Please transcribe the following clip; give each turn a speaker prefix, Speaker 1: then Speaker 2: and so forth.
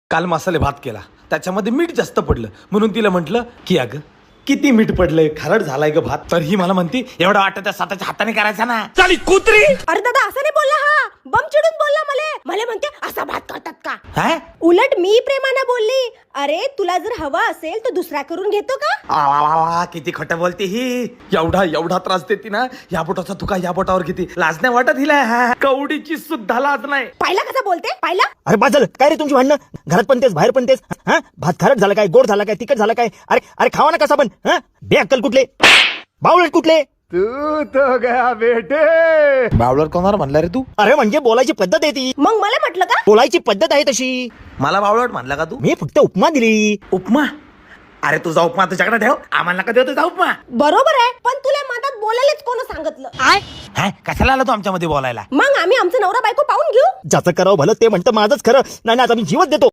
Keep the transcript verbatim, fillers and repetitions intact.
Speaker 1: काल मसाले भात केला, त्याच्यामध्ये मीठ जास्त पडलं म्हणून तिला म्हटलं की अगं किती मीठ पडलंय, खारट झालाय ग भात. तर ही मला म्हणती एवढा वाटत त्या स्वतःच्या हाताने करायचा ना. चाली कुत्री.
Speaker 2: अरे दादा असं नाही बोलला, हा बम चिडून बोलला मला मला म्हणते असा भात करतात का.
Speaker 1: हा?
Speaker 2: उलट मी प्रेमानं बोलली, अरे तुला जर हवा असेल तर दुसरा करून घेतो का.
Speaker 1: आ, वा, वा, वा, किती खोटं बोलते ही. एवढा एवढा त्रास देते ना, या बोटाचा तुका या बोटावर किती लाज नाही वाटत हिला. हा, कवडीची सुद्धा लाज नाही.
Speaker 2: पाहिला कसा बोलते, पाहिला.
Speaker 3: अरे बाजल काय रे तुमची भांडणं, घरात पण तेच बाहेर पण तेच. हा भात खारट झाला काय, गोड झाला काय, तिखट झाला काय. अरे अरे खावा ना कसा पण. हा बे अक्कल कुठले, बावळट कुठले.
Speaker 4: तू तो गया बेटे.
Speaker 1: बावळर कोणाला म्हणला रे तू?
Speaker 3: अरे म्हणजे बोलायची पद्धत आहे ती,
Speaker 2: मग मला म्हटलं का.
Speaker 3: बोलायची पद्धत आहे तशी.
Speaker 1: मला बावळट म्हणला का तू?
Speaker 3: मी फक्त उपमा दिली.
Speaker 1: उपमा? अरे तुझा उपमा तुझ्याकडे ठेव, आम्हाला का देतो तुझा उपमा?
Speaker 2: बरोबर आहे, पण तुला मधात बोलायलाच कोण सांगितलं.
Speaker 1: हा, कशाला आला तू आमच्यामध्ये बोलायला?
Speaker 2: मग आम्ही आमचं नवरा बायको पाहून घेऊ.
Speaker 3: ज्याचं करावं भलं ते म्हणतं माझंच खरं. नाही ना आता मी जीवच देतो.